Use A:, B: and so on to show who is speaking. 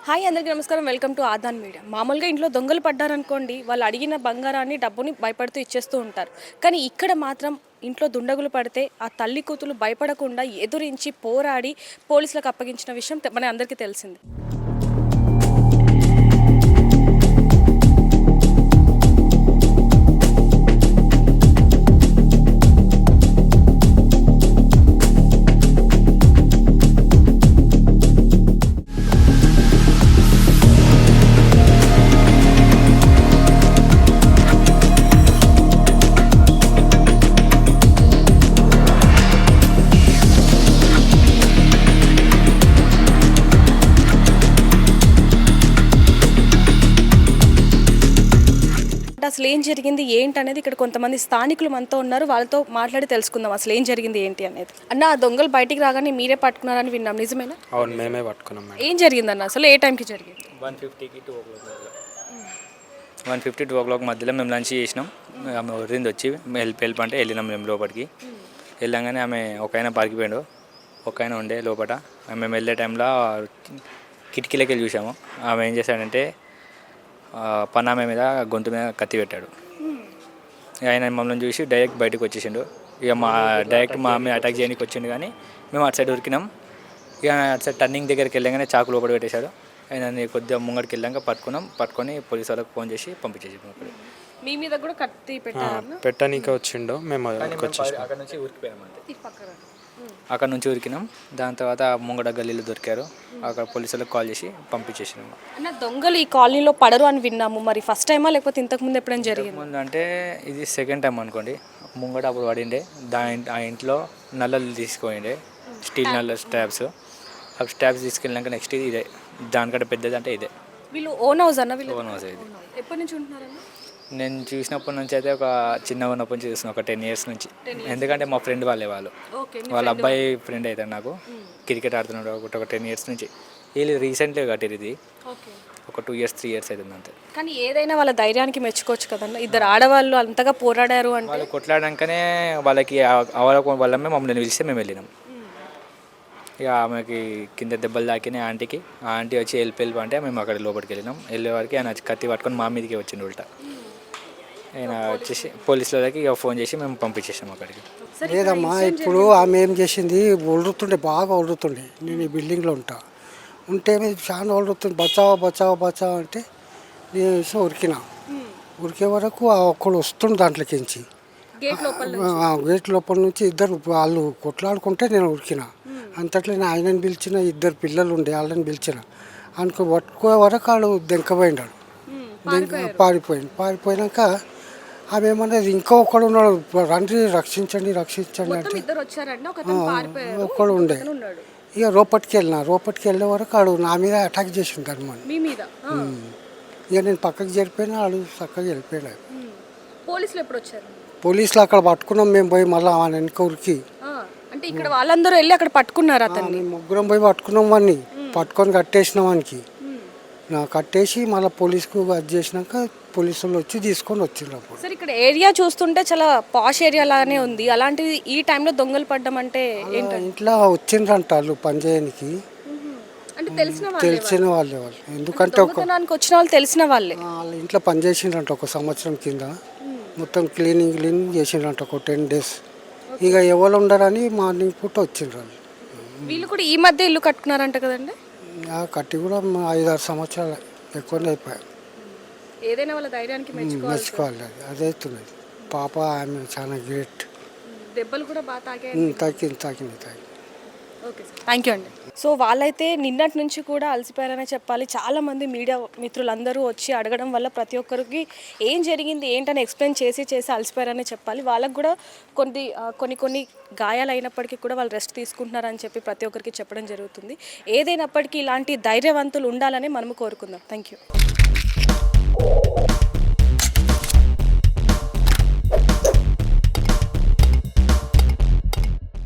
A: Hi అందరికీ నమస్కారం. Welcome to Aadan media. మామూలుగా ఇంట్లో దొంగలు పడ్డారనుకోండి, వాళ్ళు అడిగిన బంగారాన్ని డబ్బుని భయపడుతూ ఇచ్చేస్తూ ఉంటారు. కానీ ఇక్కడ మాత్రం ఇంట్లో దుండగులు పడితే ఆ తల్లి కూతులు భయపడకుండా ఎదురించి పోరాడి పోలీసులకు అప్పగించిన విషయం మన అందరికీ తెలిసింది. అసలు ఏం జరిగింది ఏంటి అనేది ఇక్కడ కొంతమంది స్థానికులు మనతో ఉన్నారు. వాళ్ళతో మాట్లాడి తెలుసుకుందాం అసలు ఏం జరిగింది ఏంటి అనేది. అన్న, ఆ దొంగలు బయటికి రాగానే మీరే పట్టుకున్నారని విన్నాం, నిజమేనా?
B: అవును, మేమే పట్టుకున్నాం.
A: ఏం జరిగిందన్న, అసలు ఏ టైంకి జరిగింది?
B: 1:50 2 o'clock మధ్యలో మేము లంచ్ చేసినాం. ఆమె వరింది వచ్చి హెల్ప్ అంటే వెళ్ళినాం మేము లోపలికి. వెళ్ళంగానే ఆమె ఒక ఆయన పారిపోయాడు, ఒక ఆయన ఉండే లోపల. మేము వెళ్ళే టైంలో కిటికీలోకి వెళ్ళి చూసాము. ఆమె ఏం చేశాడంటే పనామె మీద గొంతు మీద కత్తి పెట్టాడు. ఆయన మమ్మల్ని చూసి డైరెక్ట్ బయటకు వచ్చేసిండు. ఇక డైరెక్ట్ మా మీద అటాక్ చేయడానికి వచ్చిండు. కానీ మేము అటు సైడ్ ఉరికినాం. ఇక అటు సైడ్ టర్నింగ్ దగ్గరికి వెళ్ళగానే చాకు లోపల పెట్టేశాడు. ఆయన కొద్దిగా ముంగడికి వెళ్ళాక పట్టుకొని పోలీసు వాళ్ళకి ఫోన్ చేసి పంపించేసాము.
A: మీ మీద కూడా కత్తి
B: పెట్టడానికి వచ్చిండు. మేము అక్కడ నుంచి ఉరికిపోయాము. అక్కడ నుంచి ఉరికినాం. దాని తర్వాత ముంగడ గల్లీలు దొరికారు. అక్కడ పోలీసులకు కాల్ చేసి పంపించేసినాము.
A: అన్న, దొంగలు ఈ కాలనీలో పడరు అని విన్నాము. మరి ఫస్ట్ టైమా లేకపోతే ఇంతకుముందు ఎప్పుడైనా జరిగింది?
B: ముందు అంటే ఇది సెకండ్ టైం అనుకోండి. ముంగడ అప్పుడు పడిండే. ఆ ఇంట్లో నల్లలు తీసుకుపోయిండే, స్టీల్ నల్ల స్టాబ్స్. ఆ స్టాబ్స్ తీసుకెళ్ళినాక నెక్స్ట్ ఇదే, దానికంటే పెద్దది అంటే ఇదే.
A: వీళ్ళు ఓన్ హౌస్ అన్న? వీళ్ళు
B: ఓన్ హౌస్. ఇది
A: ఎప్పటి నుంచి ఉంటున్నారన్న?
B: నేను చూసినప్పటి నుంచి అయితే ఒక చిన్నగా ఉన్నప్పటి నుంచి చూస్తున్నాను, ఒక 10 years నుంచి. ఎందుకంటే మా ఫ్రెండ్ వాళ్ళ అబ్బాయి ఫ్రెండ్ అవుతాడు నాకు. క్రికెట్ ఆడుతున్నాడు ఒక 10 years నుంచి. వీళ్ళు రీసెంట్గా కట్టారు. ఇది ఒక 2 years 3 years అవుతుంది అంతే.
A: కానీ ఏదైనా వాళ్ళ ధైర్యానికి మెచ్చుకోవచ్చు కదన్న. ఇద్దరు ఆడవాళ్ళు అంతగా పోరాడారు అంటే.
B: వాళ్ళు కొట్లాడాకనే వాళ్ళకి వాళ్ళమే మమ్మల్ని పిలిస్తే మేము వెళ్ళినాం. ఇక ఆమెకి కింద దెబ్బలు తాకినాయి ఆంటీకి. ఆ ఆంటీ వచ్చి వెళ్ళి అంటే మేము అక్కడ లోపలికి వెళ్ళినాం. వెళ్ళే వారికి ఆయన కత్తి పట్టుకొని మా మీదకి వచ్చిండు ఉల్టా. ఆయన వచ్చేసి పోలీసులకి ఇక ఫోన్ చేసి మేము పంపించేసాం అక్కడికి.
C: లేదమ్మా, ఇప్పుడు ఆమె ఏం చేసింది, ఒడుతుండే, బాగా ఒడుతుండే. నేను ఈ బిల్డింగ్లో ఉంటే చాలా ఒడుతుంది. బచావా అంటే నేను ఉరికే వరకు ఒక్కడు వస్తుండే దాంట్లోకించి. గేట్ లోపల నుంచి ఇద్దరు వాళ్ళు కొట్లాడుకుంటే నేను ఉరికినా. అంతట్లో ఆయనని పిలిచిన, ఇద్దరు పిల్లలు ఉండే వాళ్ళని పిలిచిన. అనుకో పట్టుకో వరకు వాళ్ళు దెంకపోయినాడు. పారిపోయినాక ఆమె ఏమన్నది, ఇంకొకడు ఉన్నాడు, రండి రక్షించండి అంటే ఒక్కడు ఉండే. ఇక రోపట్కి వెళ్ళే వరకు ఆడు నా మీద అటాక్ చేసిండు అనమాట. ఇక నేను పక్కకి జరిపోయినా, ఆడు చక్కగా వెళ్ళిపోయాడు. పోలీసులు అక్కడ పట్టుకున్నాం మేము పోయి. మళ్ళీ ఆయన వెనక ఉరికి
A: అంటే ఇక్కడ వాళ్ళందరూ వెళ్ళి అక్కడ పట్టుకున్నారు. అతన్ని
C: ముగ్గురం పోయి పట్టుకున్నాం. వాడిని పట్టుకొని కట్టేసినాం. వానికి కట్టేసి మళ్ళీ పోలీసుకు అది చేసినాక పోలీసులు వచ్చి తీసుకొని వచ్చిండ్రు.
A: సార్, ఇక్కడ ఏరియా చూస్తుంటే చాలా పాష్ ఏరియా లాగానే ఉంది. అలాంటిది ఈ టైంలో దొంగలు పడ్డం అంటే
C: ఇంట్లో వచ్చిండ్రంట వాళ్ళు పని చేయడానికి. తెలిసిన వాళ్ళే. ఎందుకంటే
A: వచ్చిన వాళ్ళు తెలిసిన వాళ్ళే.
C: వాళ్ళ ఇంట్లో పని చేసిండ్రంట ఒక సంవత్సరం కింద. మొత్తం క్లీనింగ్ చేసిండ్రంట ఒక 10 days. ఇక ఎవరు ఉండరని మార్నింగ్ పూట వచ్చిండ్రు.
A: వీళ్ళు కూడా ఈ మధ్య ఇల్లు కట్టుకున్నారంట కదండి?
C: కట్టి కూడా 5-6 సంవత్సరాలు ఎక్కువనే అయిపోయాయి.
A: ఏదైనా వాళ్ళ ధైర్యానికి
C: మెచ్చుకోవాలి. అదైతున్నది. పాప ఆమె చాలా గ్రేట్.
A: దెబ్బలు కూడా బాగా
C: తాకింది.
A: ఓకే సార్, థ్యాంక్ యూ అండి. సో వాళ్ళైతే నిన్నటి నుంచి కూడా అలసిపోయారనే చెప్పాలి. చాలామంది మీడియా మిత్రులందరూ వచ్చి అడగడం వల్ల ప్రతి ఒక్కరికి ఏం జరిగింది ఏంటని ఎక్స్ప్లెయిన్ చేసి అలసిపోయారనే చెప్పాలి. వాళ్ళకు కూడా కొన్ని గాయాలు అయినప్పటికీ కూడా వాళ్ళు రెస్ట్ తీసుకుంటున్నారని చెప్పి ప్రతి ఒక్కరికి చెప్పడం జరుగుతుంది. ఏదైనప్పటికీ ఇలాంటి ధైర్యవంతులు ఉండాలని మనము కోరుకుందాం. Thank you.